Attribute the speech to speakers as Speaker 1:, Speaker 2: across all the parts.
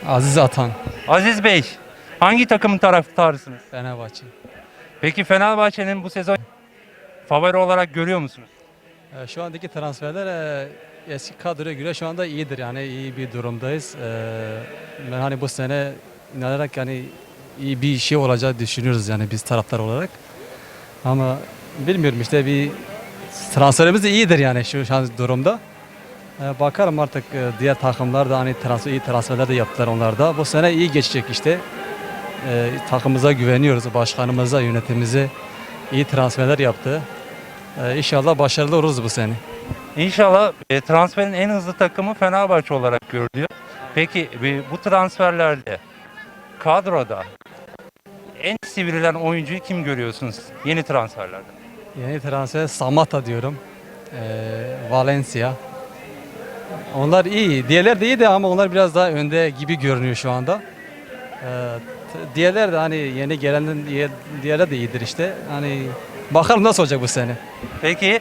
Speaker 1: Aziz Atan,
Speaker 2: Aziz Bey, hangi takımın taraftarısınız?
Speaker 1: Fenerbahçe.
Speaker 2: Peki Fenerbahçe'nin bu sezon favori olarak görüyor musunuz?
Speaker 1: Şu andaki transferler eski kadroya göre şu anda iyidir, yani iyi bir durumdayız. Ben hani bu sene inanarak yani iyi bir şey olacağı düşünüyoruz yani biz taraftar olarak. Ama bilmiyorum işte bir transferimiz de iyidir yani şu an durumda. Bakalım artık diğer takımlar da hani iyi transferler de yaptılar onlar da. Bu sene iyi geçecek işte. Takımımıza güveniyoruz, başkanımıza, yönetimimize iyi transferler yaptı. İnşallah başarılı oluruz bu sene.
Speaker 2: İnşallah transferin en hızlı takımı Fenerbahçe olarak görülüyor. Peki bu transferlerde kadroda en sivrilen oyuncuyu kim görüyorsunuz yeni transferlerde?
Speaker 1: Yeni transfer Samatta diyorum. Valencia. Onlar iyi. Diğerler de iyi de ama onlar biraz daha önde gibi görünüyor şu anda. Diğerler de hani yeni gelen diğerler de iyidir işte. Hani bakalım nasıl olacak bu sene.
Speaker 2: Peki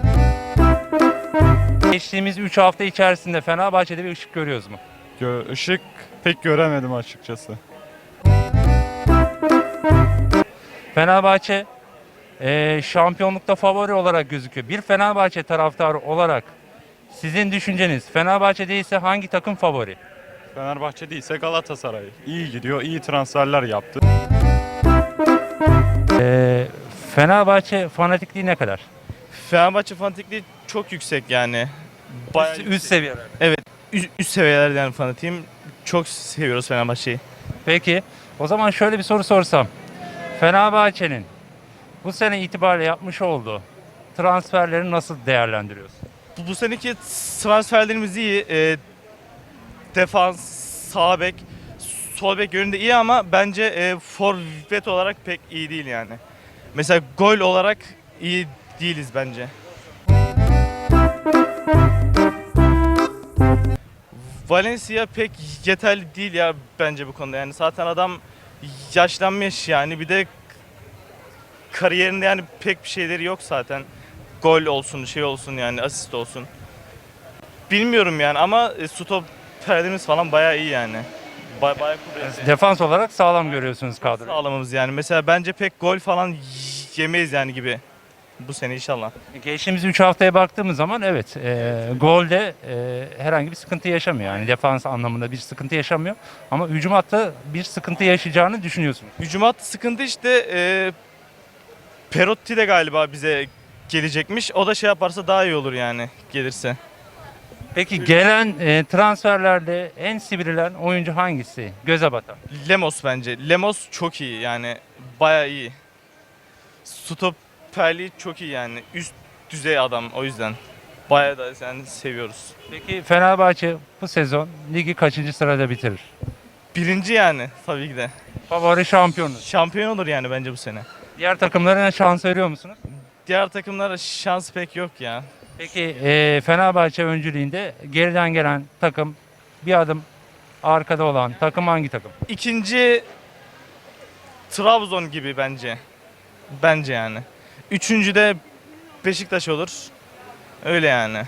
Speaker 2: geçtiğimiz 3 hafta içerisinde Fenerbahçe'de bir ışık görüyoruz mu?
Speaker 3: Işık pek göremedim açıkçası.
Speaker 2: Fenerbahçe şampiyonlukta favori olarak gözüküyor. Bir Fenerbahçe taraftarı olarak sizin düşünceniz Fenerbahçe değilse hangi takım favori?
Speaker 3: Fenerbahçe değilse Galatasaray. İyi gidiyor, iyi transferler yaptı.
Speaker 2: Fenerbahçe fanatikliği ne kadar?
Speaker 4: Fenerbahçe fanatikliği çok yüksek yani. Bayağı
Speaker 2: Üst seviyeler.
Speaker 4: Evet, üst seviyelerde yani fanatiyim. Çok seviyoruz Fenerbahçe'yi.
Speaker 2: Peki o zaman şöyle bir soru sorsam. Fenerbahçe'nin bu sene itibariyle yapmış olduğu transferleri nasıl değerlendiriyorsun?
Speaker 4: Bu seneki transferlerimiz iyi. Defans, sağ bek, sol bek yönünde iyi ama bence forvet olarak pek iyi değil yani. Mesela gol olarak iyi değiliz bence. Valencia pek yeterli değil ya bence bu konuda. Yani zaten adam yaşlanmış yani, bir de kariyerinde yani pek bir şeyleri yok zaten. Gol olsun, şey olsun yani, asist olsun. Bilmiyorum yani ama stoperlerimiz falan bayağı iyi yani. Bayağı kuvvetli.
Speaker 2: Defans olarak sağlam görüyorsunuz kadroyu.
Speaker 4: Sağlamamız yani. Mesela bence pek gol falan yemeyiz yani gibi. Bu sene inşallah.
Speaker 2: Geçtiğimiz 3 haftaya baktığımız zaman evet golde herhangi bir sıkıntı yaşamıyor. Yani defans anlamında bir sıkıntı yaşamıyor. Ama hücum hattı bir sıkıntı yaşayacağını düşünüyorsunuz.
Speaker 4: Hücum hattı sıkıntı işte. Perotti de galiba bize gelecekmiş. O da şey yaparsa daha iyi olur yani, gelirse.
Speaker 2: Peki gelen transferlerde en sivrilen oyuncu hangisi? Göze batan.
Speaker 4: Lemos bence. Lemos çok iyi yani. Bayağı iyi. Stoperliği çok iyi yani. Üst düzey adam o yüzden. Bayağı da yani seviyoruz.
Speaker 2: Peki Fenerbahçe bu sezon ligi kaçıncı sırada bitirir?
Speaker 4: Birinci yani tabii ki de.
Speaker 2: Favori şampiyonuz.
Speaker 4: Şampiyon olur yani bence bu sene.
Speaker 2: Diğer takımlara şans veriyor musunuz?
Speaker 4: Diğer takımlara şans pek yok ya.
Speaker 2: Peki Fenerbahçe öncülüğünde geriden gelen takım bir adım arkada olan takım hangi takım?
Speaker 4: İkinci Trabzon gibi bence. Bence yani. Üçüncü de Beşiktaş olur. Öyle yani.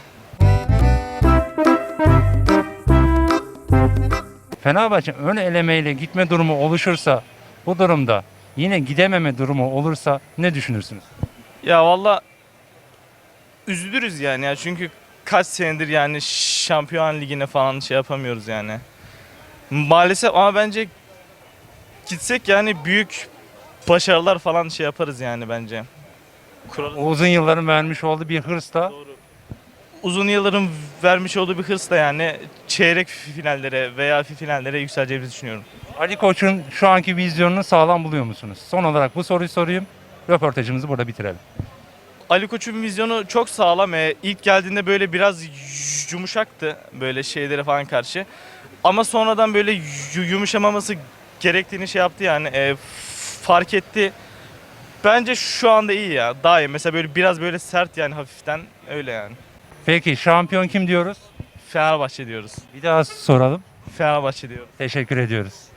Speaker 2: Fenerbahçe ön elemeyle gitme durumu oluşursa bu durumda yine gidememe durumu olursa ne düşünürsünüz?
Speaker 4: Ya valla üzülürüz yani ya, çünkü kaç senedir yani Şampiyon Ligi'ne falan şey yapamıyoruz yani. Maalesef ama bence gitsek yani büyük başarılar falan şey yaparız yani bence.
Speaker 2: O uzun yılların vermiş olduğu bir hırsla
Speaker 4: Uzun yılların vermiş olduğu bir hırsla yani çeyrek finallere veya finallere yükseleceğimizi düşünüyorum.
Speaker 2: Ali Koç'un şu anki vizyonunu sağlam buluyor musunuz? Son olarak bu soruyu sorayım. Röportajımızı burada bitirelim.
Speaker 4: Ali Koç'un vizyonu çok sağlam. İlk geldiğinde böyle biraz yumuşaktı böyle şeylere falan karşı. Ama sonradan böyle yumuşamaması gerektiğini şey yaptı yani, fark etti. Bence şu anda iyi ya. Daha iyi. Mesela böyle biraz böyle sert yani, hafiften öyle yani.
Speaker 2: Peki şampiyon kim diyoruz?
Speaker 4: Fenerbahçe diyoruz.
Speaker 2: Bir daha soralım.
Speaker 4: Fenerbahçe diyoruz.
Speaker 2: Teşekkür ediyoruz.